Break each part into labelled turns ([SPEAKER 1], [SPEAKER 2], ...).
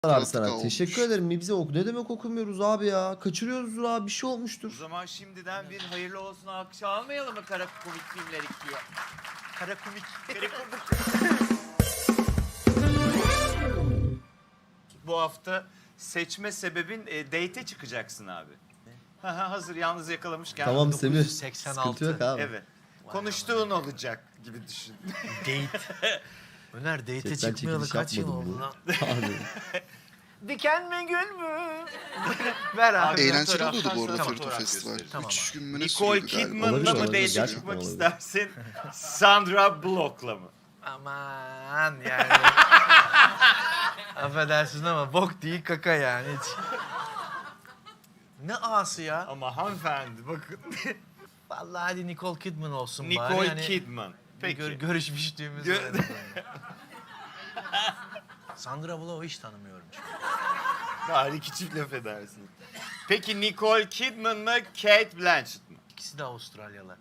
[SPEAKER 1] abi sana. Teşekkür ederim. Bize ne demek okumuyoruz abi ya? Kaçırıyoruzdur abi, bir şey
[SPEAKER 2] O
[SPEAKER 1] olmuştur.
[SPEAKER 2] zaman şimdiden bir hayırlı olsun alkış almayalım mı kara komik filmler ikiye? Kara komik. Bu hafta seçme sebebin date'e çıkacaksın abi. Hazır yalnız yakalamışken.
[SPEAKER 1] Tamam Semih.
[SPEAKER 3] 1986.
[SPEAKER 1] Sıkıntı yok abi.
[SPEAKER 2] Evet. Konuştuğun olacak gibi düşün.
[SPEAKER 3] Date. Öner date'e
[SPEAKER 1] Chatten
[SPEAKER 3] çıkmayalı
[SPEAKER 1] çekiliş
[SPEAKER 3] kaç yıl
[SPEAKER 1] yapmadım
[SPEAKER 3] oldu
[SPEAKER 1] bu.
[SPEAKER 3] lan?
[SPEAKER 1] Abi.
[SPEAKER 3] Diken mi gül mü? Ver abi.
[SPEAKER 4] Eğlenceli oluyordu bu arada
[SPEAKER 2] Tamam,
[SPEAKER 4] Ferito
[SPEAKER 2] fotoğraf
[SPEAKER 4] Festival.
[SPEAKER 2] gösterelim.
[SPEAKER 3] Tamam
[SPEAKER 4] 3 gün mü ne
[SPEAKER 2] Nicole
[SPEAKER 4] sürüyordu galiba?
[SPEAKER 2] Kidman'la
[SPEAKER 1] Olabilir,
[SPEAKER 2] mı
[SPEAKER 1] olabilir.
[SPEAKER 2] date'e
[SPEAKER 1] Gerçekten
[SPEAKER 2] çıkmak
[SPEAKER 1] olabilir.
[SPEAKER 2] istersin? Sandra Bullock'la mı?
[SPEAKER 3] Aman yani. Affedersin ama bok değil kaka yani hiç. Ne ağası ya?
[SPEAKER 2] Ama hanımefendi bakın.
[SPEAKER 3] Vallahi hadi Nicole Kidman olsun bari.
[SPEAKER 2] Nicole
[SPEAKER 3] Yani
[SPEAKER 2] Kidman. Peki.
[SPEAKER 3] Görüşmüştüğümüz
[SPEAKER 2] Gö-
[SPEAKER 3] öyle. Sandra Bullock'u hiç tanımıyorum çünkü.
[SPEAKER 2] Bari iki çift laf edersin. Peki Nicole Kidman mı, Kate Blanchett mı?
[SPEAKER 3] İkisi de Avustralyalı.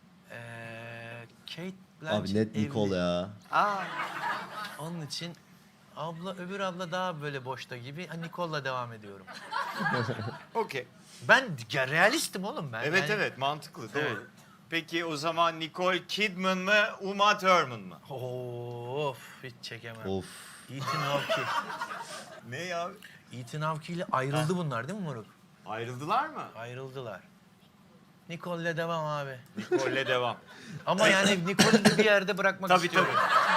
[SPEAKER 3] Kate Blanchett
[SPEAKER 1] Abi net Nicole
[SPEAKER 3] evli.
[SPEAKER 1] ya.
[SPEAKER 3] Onun için öbür abla daha böyle boşta gibi. Nicole'la devam ediyorum.
[SPEAKER 2] Okey.
[SPEAKER 3] Ben ya, realistim oğlum ben.
[SPEAKER 2] Evet
[SPEAKER 3] Yani-
[SPEAKER 2] evet mantıklı doğru.
[SPEAKER 3] Evet.
[SPEAKER 2] Peki o zaman Nicole Kidman mı, Uma Thurman mı?
[SPEAKER 3] Of hiç çekemem.
[SPEAKER 1] Of.
[SPEAKER 3] Ethan Hawke.
[SPEAKER 2] Ne ya?
[SPEAKER 3] Ethan Hawke ile ayrıldı bunlar değil mi moruk?
[SPEAKER 2] Ayrıldılar mı?
[SPEAKER 3] Ayrıldılar. Nicole'le devam abi.
[SPEAKER 2] Nicole'le devam.
[SPEAKER 3] Ama yani Nicole'u da bir yerde bırakmak
[SPEAKER 2] Tabii
[SPEAKER 3] istiyorum.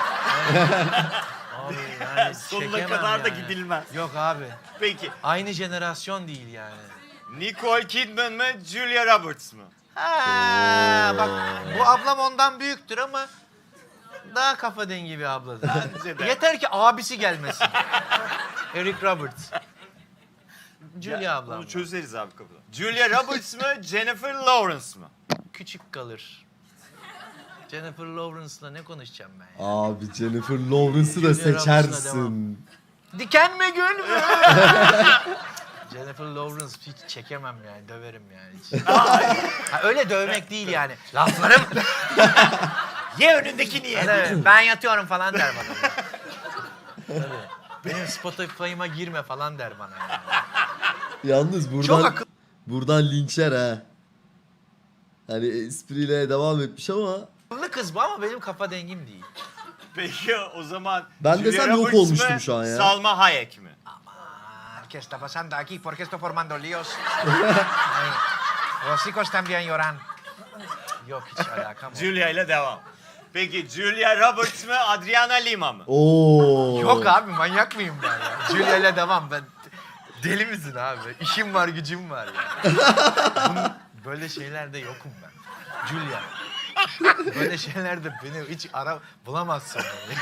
[SPEAKER 3] Abi yani
[SPEAKER 2] Sonuna
[SPEAKER 3] çekemem
[SPEAKER 2] kadar da
[SPEAKER 3] yani.
[SPEAKER 2] gidilmez.
[SPEAKER 3] Yok abi.
[SPEAKER 2] Peki
[SPEAKER 3] Aynı jenerasyon değil yani.
[SPEAKER 2] Nicole Kidman mı, Julia Roberts mı?
[SPEAKER 3] Ha, bak bu ablam ondan büyüktür ama daha kafa dengi bir abladır.
[SPEAKER 2] Bence de.
[SPEAKER 3] Yeter ki abisi gelmesin. Eric Roberts. Julia ablam.
[SPEAKER 2] Onu çözeriz abi kapıda. Julia Roberts mı, Jennifer Lawrence mı?
[SPEAKER 3] Küçük kalır. Jennifer Lawrence'la ne konuşacağım ben ya?
[SPEAKER 1] Abi Jennifer Lawrence'ı da
[SPEAKER 3] Julia Roberts'la
[SPEAKER 1] seçersin.
[SPEAKER 3] Diken mi gül mü? Jennifer Lawrence hiç çekemem yani, döverim yani hiç. Ha, öyle dövmek değil yani. Laflarım.
[SPEAKER 2] Ye önündekini ye.
[SPEAKER 3] Evet, ben yatıyorum falan der bana. Tabii. Benim Spotify'ıma girme falan der bana yani.
[SPEAKER 1] Yalnız
[SPEAKER 3] Çok
[SPEAKER 1] buradan
[SPEAKER 3] akıllı.
[SPEAKER 1] buradan linçer ha. Hani espriyle devam etmiş ama
[SPEAKER 3] Kız bu ama benim kafa dengim değil.
[SPEAKER 2] Peki o zaman
[SPEAKER 1] Ben
[SPEAKER 2] Julia
[SPEAKER 1] desem yok
[SPEAKER 2] Roberts
[SPEAKER 1] olmuştum
[SPEAKER 2] mı,
[SPEAKER 1] şu an ya.
[SPEAKER 2] Salma Hayek mi?
[SPEAKER 3] ¿Qué está pasando aquí? ¿Por qué estoy formando líos? Ay, los chicos también lloran. Yok hiç alakam yok.
[SPEAKER 2] Julia ile devam. Peki Julia Roberts mı, Adriana Lima mı?
[SPEAKER 1] Oo.
[SPEAKER 3] Yok abi manyak mıyım ben ya? Julia ile devam ben. Deli misin abi? İşim var gücüm var ya. Böyle şeylerde yokum ben. Julia. Böyle şeylerde beni hiç bulamazsın beni.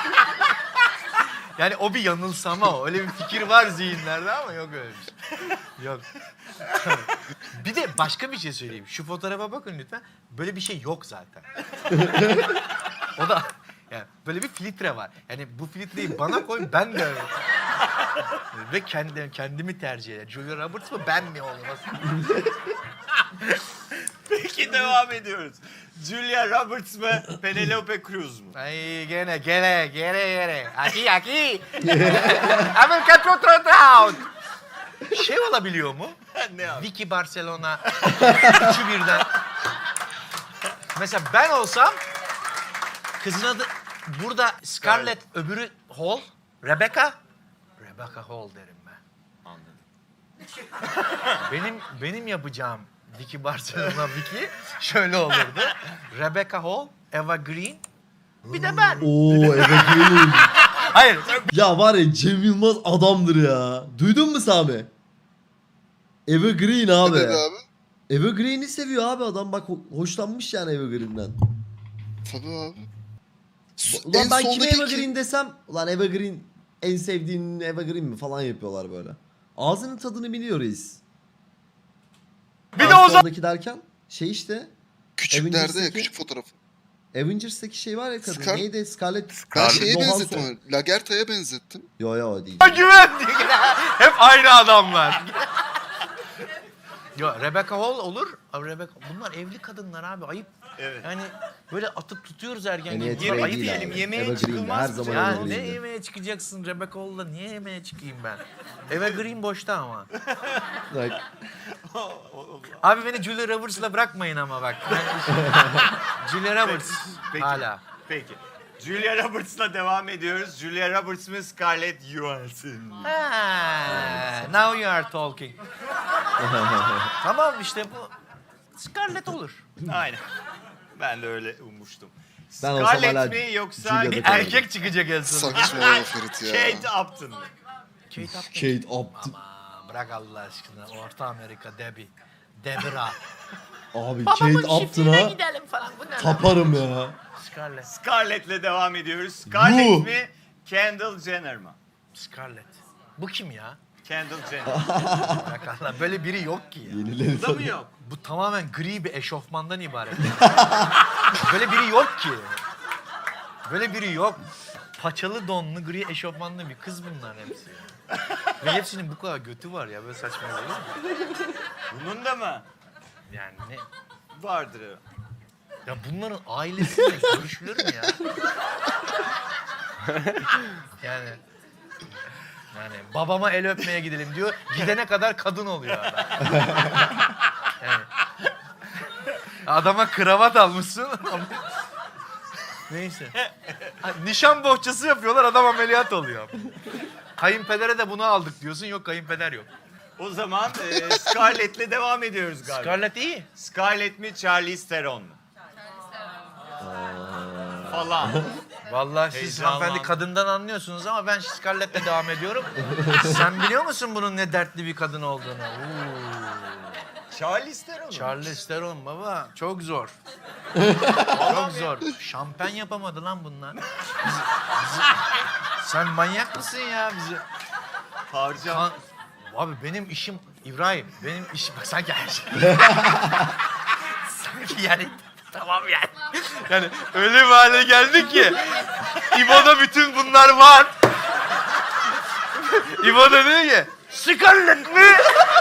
[SPEAKER 3] Yani o bir yanılsama o. Öyle bir fikir var zihinlerde ama yok öyle bir şey. Yok. Bir de başka bir şey söyleyeyim. Şu fotoğrafa bakın lütfen. Böyle bir şey yok zaten. O da yani böyle bir filtre var. Yani bu filtreyi bana koy ben de öyle. Ve kendimi tercih eder. Julia Roberts mı ben mi olmaz?
[SPEAKER 2] Peki devam ediyoruz. Julia Roberts mı, Penelope Cruz mu?
[SPEAKER 3] Ay gene. Aquí. A ver, catch otro out. Şey olabiliyor mu?
[SPEAKER 2] Ne abi?
[SPEAKER 3] Vicky Barcelona. Üçü birden. Mesela ben olsam kızın adı burada Scarlett, öbürü Hall. Rebecca Hall derim ben.
[SPEAKER 2] Anladım.
[SPEAKER 3] Benim yapacağım Vicky Barcelona Vicky şöyle olurdu. Rebecca Hall, Eva Green. Bir de ben.
[SPEAKER 1] Oo Evergreen.
[SPEAKER 3] Hayır.
[SPEAKER 1] Ya var ya Cem Yılmaz adamdır ya. Duydun mu Sami? Evergreen
[SPEAKER 4] Ne
[SPEAKER 1] abi.
[SPEAKER 4] dedi abi?
[SPEAKER 1] Evergreen'i seviyor abi adam, bak hoşlanmış yani Evergreen'den.
[SPEAKER 4] Tabii abi.
[SPEAKER 1] Ulan
[SPEAKER 4] En
[SPEAKER 1] ben kime
[SPEAKER 4] soldaki
[SPEAKER 1] Evergreen desem, ulan Evergreen en sevdiğin Evergreen mi falan yapıyorlar böyle. Ağzının tadını biliyor reis.
[SPEAKER 3] Bir de o zaman
[SPEAKER 1] Sondaki derken şey işte
[SPEAKER 4] küçüklerde ya,
[SPEAKER 1] Avengers'taki-
[SPEAKER 4] küçük fotoğrafı.
[SPEAKER 1] Avengers'taki şey var ya kadın.
[SPEAKER 4] Scar-
[SPEAKER 1] Neydi? Scarlett
[SPEAKER 4] Ben şeye
[SPEAKER 1] Johansson.
[SPEAKER 4] benzettim onu. Lagerta'ya benzettim.
[SPEAKER 1] Yo o değil.
[SPEAKER 3] güven. Hep aynı adamlar. Yo, Rebecca Hall olur. Abi bunlar evli kadınlar abi ayıp.
[SPEAKER 2] Evet.
[SPEAKER 3] Yani böyle atıp tutuyoruz ergen
[SPEAKER 1] En
[SPEAKER 3] gibi.
[SPEAKER 1] iyi
[SPEAKER 3] Bunlar
[SPEAKER 1] ayıp
[SPEAKER 3] ayıp
[SPEAKER 1] değil
[SPEAKER 3] yani.
[SPEAKER 2] diyelim,
[SPEAKER 1] abi.
[SPEAKER 2] yemeğe
[SPEAKER 1] Evergreen'de
[SPEAKER 2] çıkılmaz
[SPEAKER 1] her
[SPEAKER 2] mı
[SPEAKER 1] zaman
[SPEAKER 3] Ya
[SPEAKER 1] Evergreen'de.
[SPEAKER 3] ne yemeğe çıkacaksın Rebecca Hall'la? Niye yemeğe çıkayım ben? Evergreen boşta ama.
[SPEAKER 1] Like,
[SPEAKER 3] Abi beni Julia Roberts'la bırakmayın ama bak. Julia Roberts
[SPEAKER 2] Peki.
[SPEAKER 3] hala.
[SPEAKER 2] Peki. Julia Roberts'la devam ediyoruz. Julia Roberts mı Scarlett Johansson?
[SPEAKER 3] Ha, now you are talking. Tamam işte bu Scarlett olur.
[SPEAKER 2] Aynen. Ben de öyle ummuştum.
[SPEAKER 1] Ben olsam hala
[SPEAKER 2] Scarlett mi yoksa
[SPEAKER 1] Julia'da
[SPEAKER 2] bir
[SPEAKER 1] kalırım.
[SPEAKER 3] Erkek çıkacak en sonunda.
[SPEAKER 4] Saçmalama Ferit ya.
[SPEAKER 2] Kate Upton mı?
[SPEAKER 3] Kate Upton.
[SPEAKER 1] Kate Upton.
[SPEAKER 3] Aman bırak Allah aşkına. Orta Amerika Debbie. Debra.
[SPEAKER 1] Abi Kate Upton'a
[SPEAKER 3] gidelim falan. Bu ne lan?
[SPEAKER 1] taparım ya.
[SPEAKER 3] Scarlett.
[SPEAKER 2] Scarlett'le devam ediyoruz. Scarlett
[SPEAKER 1] Yuh.
[SPEAKER 2] mi Kendall Jenner mı?
[SPEAKER 3] Scarlett. Bu kim ya?
[SPEAKER 2] Kendall Jenner.
[SPEAKER 3] Bırak Allah. Böyle biri yok ki ya.
[SPEAKER 1] Yenileri
[SPEAKER 2] Bu da mı yok?
[SPEAKER 3] Bu tamamen gri bir eşofmandan ibaret. Böyle biri yok ki. Böyle biri yok. Paçalı donlu gri eşofmanlı bir kız bunlar hepsi. Ve hepsinin bu kadar götü var ya böyle saçma olur mu?
[SPEAKER 2] Bunun da mı?
[SPEAKER 3] Yani ne?
[SPEAKER 2] Vardır.
[SPEAKER 3] Ya bunların ailesiyle görüşülür mü ya? Yani babama el öpmeye gidelim diyor. Gidene kadar kadın oluyor adam. Yani, adama kravat almışsın. Neyse. Nişan bohçası yapıyorlar adam ameliyat oluyor. Kayınpedere de bunu aldık diyorsun. Yok kayınpeder yok.
[SPEAKER 2] O zaman Scarlett'le devam ediyoruz galiba.
[SPEAKER 3] Scarlett iyi.
[SPEAKER 2] Scarlett mi Charlize Theron mu? Falan.
[SPEAKER 3] Vallahi siz
[SPEAKER 2] Heyecanlandım.
[SPEAKER 3] hanımefendi kadından anlıyorsunuz ama ben Scarlett'le devam ediyorum. Sen biliyor musun bunun ne dertli bir kadın olduğunu?
[SPEAKER 2] Charlize Theron mu?
[SPEAKER 3] Charlize Theron baba çok zor. Çok zor. Şampen yapamadı lan bunlar. Sen manyak mısın ya bizi?
[SPEAKER 2] Harcan.
[SPEAKER 3] Abi benim işim İbrahim. Benim işim bak sanki her şey. Sanki yani tamam yani. Yani öyle bir hale geldik ki İbo'da bütün bunlar var. İbo da diyor ki Scarlett mi?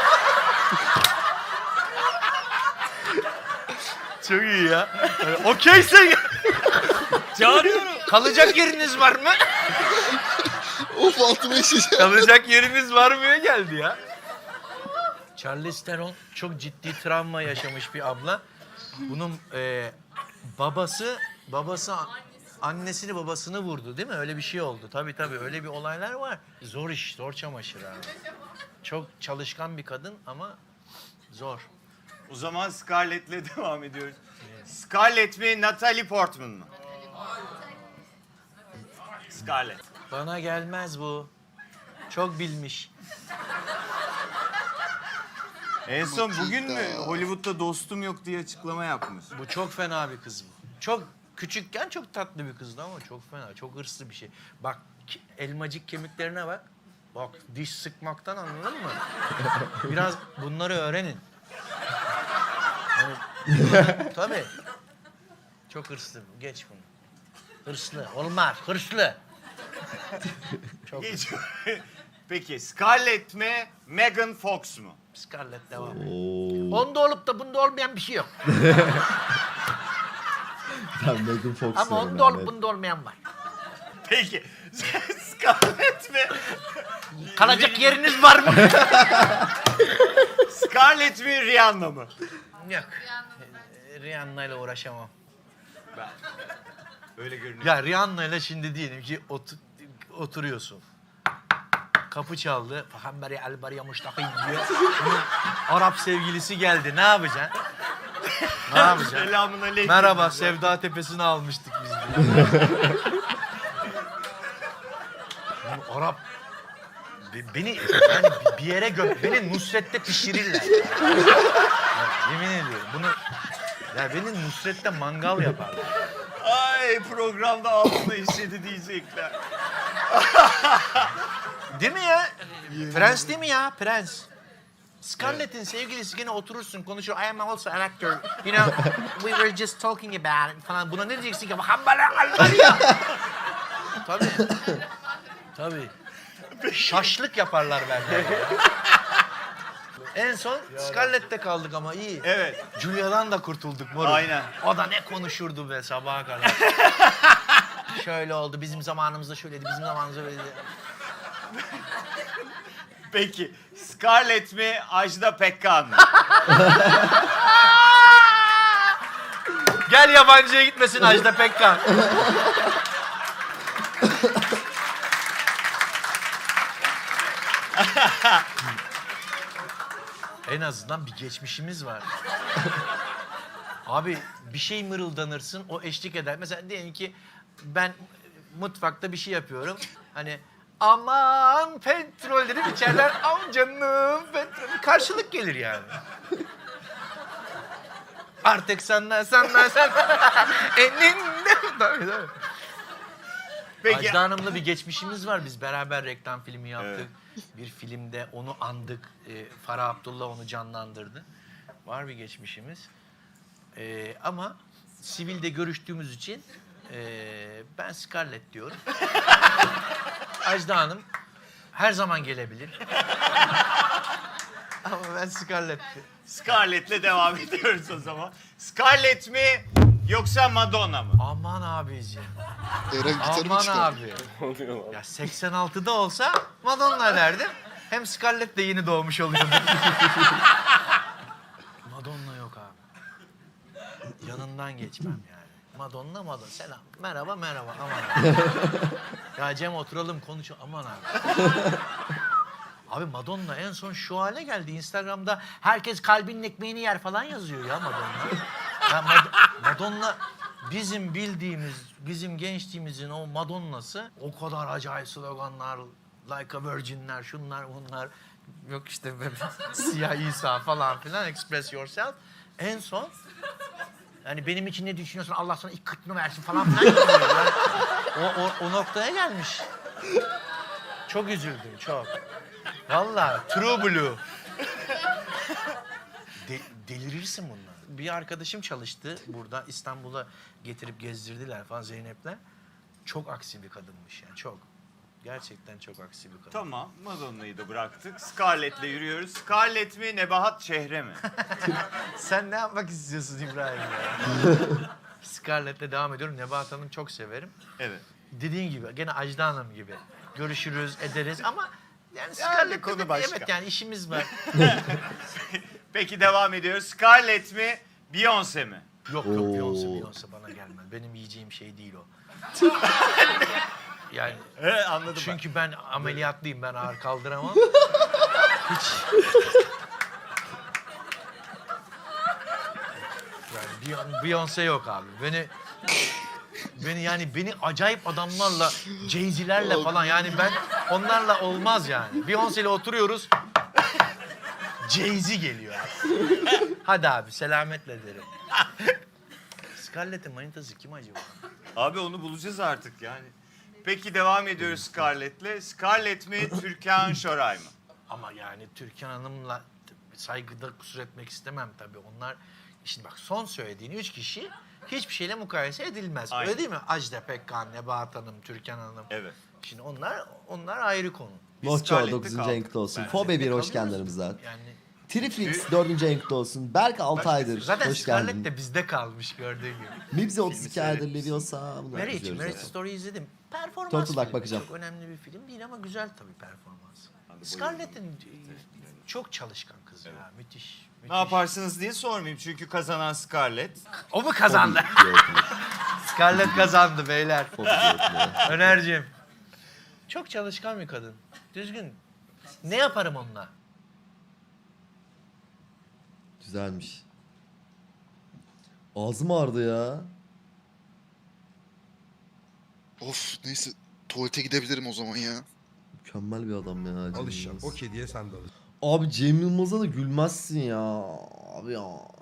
[SPEAKER 3] Çok iyi ya. Yani, okeyse çağırıyorum. Kalacak yeriniz var mı?
[SPEAKER 4] Of altıma işeceğim.
[SPEAKER 3] Kalacak yeriniz var mıya geldi ya. Charlize Theron çok ciddi travma yaşamış bir abla. Bunun babası annesini babasını vurdu değil mi? Öyle bir şey oldu. Tabii öyle bir olaylar var. Zor iş, zor çamaşır abi. Çok çalışkan bir kadın ama zor.
[SPEAKER 2] O zaman Scarlett'le devam ediyoruz. Scarlett mi Natalie Portman mı? Scarlett.
[SPEAKER 3] Bana gelmez bu. Çok bilmiş.
[SPEAKER 2] En son bugün mü
[SPEAKER 4] Matilda.
[SPEAKER 2] Hollywood'da dostum yok diye açıklama yapmış.
[SPEAKER 3] Bu çok fena bir kız bu. Çok küçükken çok tatlı bir kızdı ama çok fena, çok hırslı bir şey. Bak elmacık kemiklerine bak. Bak diş sıkmaktan anladın mı? Biraz bunları öğrenin. Yani, tabii. Çok hırslı. Geç bunu. Hırslı. Olmaz. Hırslı. Çok
[SPEAKER 2] Geç. Peki Scarlett mi Megan Fox mu?
[SPEAKER 3] Scarlett devam.
[SPEAKER 1] Oo.
[SPEAKER 3] Onda olup da bunda olmayan bir şey yok.
[SPEAKER 1] Ben Megan Fox
[SPEAKER 3] Ama
[SPEAKER 1] diyorum
[SPEAKER 3] onda
[SPEAKER 1] yani.
[SPEAKER 3] olup bunda olmayan var.
[SPEAKER 2] Peki Scarlett mi?
[SPEAKER 3] Kalacak yeriniz var mı?
[SPEAKER 2] Scarlett mi Rihanna mı?
[SPEAKER 3] Yok. Rihanna ile uğraşamam.
[SPEAKER 2] Ben. Öyle görünüyor.
[SPEAKER 3] Ya Rihanna ile şimdi diyelim ki oturuyorsun. Kapı çaldı. Fahamberi albariya muştakî diyor. Bunun Arap sevgilisi geldi. Ne yapacaksın? Ne yapacaksın?
[SPEAKER 2] Selamun aleyküm.
[SPEAKER 3] Merhaba, Sevda Tepesi'ni almıştık biz diyor. Bu Arap beni yani bir yere beni Nusret'te pişirirler. Ya, yemin ediyorum bunu ya beni Nusret'te mangal yaparlar.
[SPEAKER 2] Ay programda altına işledi diyecekler.
[SPEAKER 3] Değil mi ya? Prens değil mi ya? Prens. Scarlett'in sevgilisi gene oturursun konuşur. I am also an actor. You know, we were just talking about it falan. Buna ne diyeceksin ki? Hambala albariya. Tabii. Tabii. Şaşlık yaparlar benden. En son Scarlett'te kaldık ama iyi.
[SPEAKER 2] Evet.
[SPEAKER 3] Julia'dan da kurtulduk moruk.
[SPEAKER 2] Aynen.
[SPEAKER 3] O da ne konuşurdu be sabaha kadar. Şöyle oldu, bizim zamanımızda şöyleydi, bizim zamanımızda böyleydi.
[SPEAKER 2] Peki Scarlett mi Ajda Pekkan mı?
[SPEAKER 3] Gel yabancıya gitmesin Ajda Pekkan. En azından bir geçmişimiz var. Abi bir şey mırıldanırsın, o eşlik eder. Mesela diyelim ki ben mutfakta bir şey yapıyorum. Hani aman petrol dedim, içeriden am canım petrol. Karşılık gelir yani. Artık senden eninde. Tabii.
[SPEAKER 2] Peki
[SPEAKER 3] Ajda Hanım'la bir geçmişimiz var. Biz beraber reklam filmi yaptık. Bir filmde onu andık. Farah Abdullah onu canlandırdı. Var bir geçmişimiz. Ama sivilde görüştüğümüz için ben Scarlett diyorum. Ajda Hanım her zaman gelebilir. Ama ben Scarlett.
[SPEAKER 2] Scarlett'le devam ediyoruz o zaman. Scarlett mi yoksa Madonna mı?
[SPEAKER 3] Aman abiciğim.
[SPEAKER 4] Eren gitarı mı
[SPEAKER 3] Aman
[SPEAKER 4] çıkardı?
[SPEAKER 3] abi. Ya 86'da olsa Madonna derdim. Hem Scarlett de yeni doğmuş oluyordu. Madonna yok abi. Yanından geçmem yani. Madonna. Selam. Merhaba. Aman abi. Ya Cem oturalım konuşalım. Aman abi. Abi Madonna en son şu hale geldi. Instagram'da herkes kalbinin ekmeğini yer falan yazıyor ya Madonna. Ya Madonna bizim bildiğimiz, bizim gençliğimizin o Madonna'sı o kadar acayip sloganlar, like a virgin'ler, şunlar bunlar. Yok işte siyah İsa falan filan, express yourself. En son yani benim için ne düşünüyorsun, Allah sana ilk kıtını versin falan filan yazıyor. Yani o noktaya gelmiş. Çok üzüldüm, çok. Vallahi true blue. Delirirsin bunlar. Bir arkadaşım çalıştı burada, İstanbul'a getirip gezdirdiler falan Zeynep'le. Çok aksi bir kadınmış yani, çok. Gerçekten çok aksi bir kadın.
[SPEAKER 2] Tamam, Madonna'yı da bıraktık. Scarlett'le yürüyoruz. Scarlett mi, Nebahat Çehre mi?
[SPEAKER 3] Sen ne yapmak istiyorsun İbrahim ya? Scarlett'le devam ediyorum. Nebahat Hanım çok severim.
[SPEAKER 2] Evet.
[SPEAKER 3] Dediğin gibi, gene Ajda Hanım gibi. Görüşürüz, ederiz ama yani
[SPEAKER 2] Yani
[SPEAKER 3] Scarlett'le
[SPEAKER 2] konu
[SPEAKER 3] de
[SPEAKER 2] başka.
[SPEAKER 3] evet yani işimiz var.
[SPEAKER 2] Peki devam ediyoruz. Scarlett mi, Beyoncé mi?
[SPEAKER 3] Yok
[SPEAKER 1] Oo.
[SPEAKER 3] Beyoncé bana gelmez. Benim yiyeceğim şey değil o. Yani
[SPEAKER 2] Anladım
[SPEAKER 3] çünkü ben ameliyatlıyım, ben ağır kaldıramam. Hiç. Yani Beyoncé yok abi. Beni acayip adamlarla, Jay-Z'lerle falan yani ben onlarla olmaz yani. Beyoncé ile oturuyoruz. Jay-Z geliyor abi. Hadi abi selametle derim. Scarlett'in manitası kim acaba?
[SPEAKER 2] Abi onu bulacağız artık yani. Peki devam ediyoruz Scarlett'le. Scarlett mi, Türkan Şoray mı?
[SPEAKER 3] Ama yani Türkan Hanım'la saygıda kusur etmek istemem tabii. Onlar, şimdi bak son söylediğin 3 kişi hiçbir şeyle mukayese edilmez.
[SPEAKER 2] Aynen.
[SPEAKER 3] Öyle değil mi? Ajda Pekkan, Nebahat Hanım, Türkan Hanım.
[SPEAKER 2] Evet.
[SPEAKER 3] Şimdi onlar ayrı konu.
[SPEAKER 2] Biz
[SPEAKER 1] Nohço
[SPEAKER 2] Scarlett'te
[SPEAKER 1] 9.
[SPEAKER 2] kaldık
[SPEAKER 1] renkte olsun.
[SPEAKER 2] bence.
[SPEAKER 1] Fobe 1 hoş
[SPEAKER 3] Kalıyoruz.
[SPEAKER 1] geldin aramıza.
[SPEAKER 3] Yani
[SPEAKER 1] Triflix 4. renkte olsun. Berk 6 aydır.
[SPEAKER 3] zaten
[SPEAKER 1] Hoş
[SPEAKER 3] Scarlett
[SPEAKER 1] geldin.
[SPEAKER 3] de bizde kalmış gördüğün gibi.
[SPEAKER 1] Mibze 32 aydır
[SPEAKER 2] seyretmişsin.
[SPEAKER 1] Leviosa. Bunlar
[SPEAKER 3] Marriage
[SPEAKER 1] izliyoruz yani.
[SPEAKER 3] Story izledim. Performans
[SPEAKER 1] Turtle Duck
[SPEAKER 3] filmi.
[SPEAKER 1] bakacağım.
[SPEAKER 3] Çok önemli bir film değil ama güzel tabii performans. Scarlett'in çok çalışkan kız ya. Müthiş.
[SPEAKER 2] Ne yaparsınız diye sormayayım çünkü kazanan Scarlett.
[SPEAKER 3] O mu kazandı? Scarlett kazandı beyler. Önerciğim. Çok çalışkan bir kadın. Düzgün. Ne yaparım onunla?
[SPEAKER 1] Güzelmiş. Ağzım ağrıdı ya.
[SPEAKER 4] Of neyse tuvalete gidebilirim o zaman ya.
[SPEAKER 1] Mükemmel bir adam ya. Cem
[SPEAKER 5] Alışacağım.
[SPEAKER 1] Yılmaz.
[SPEAKER 5] O kediye sen de alış.
[SPEAKER 1] Abi Cem Yılmaz'a da gülmezsin ya. Abi ya.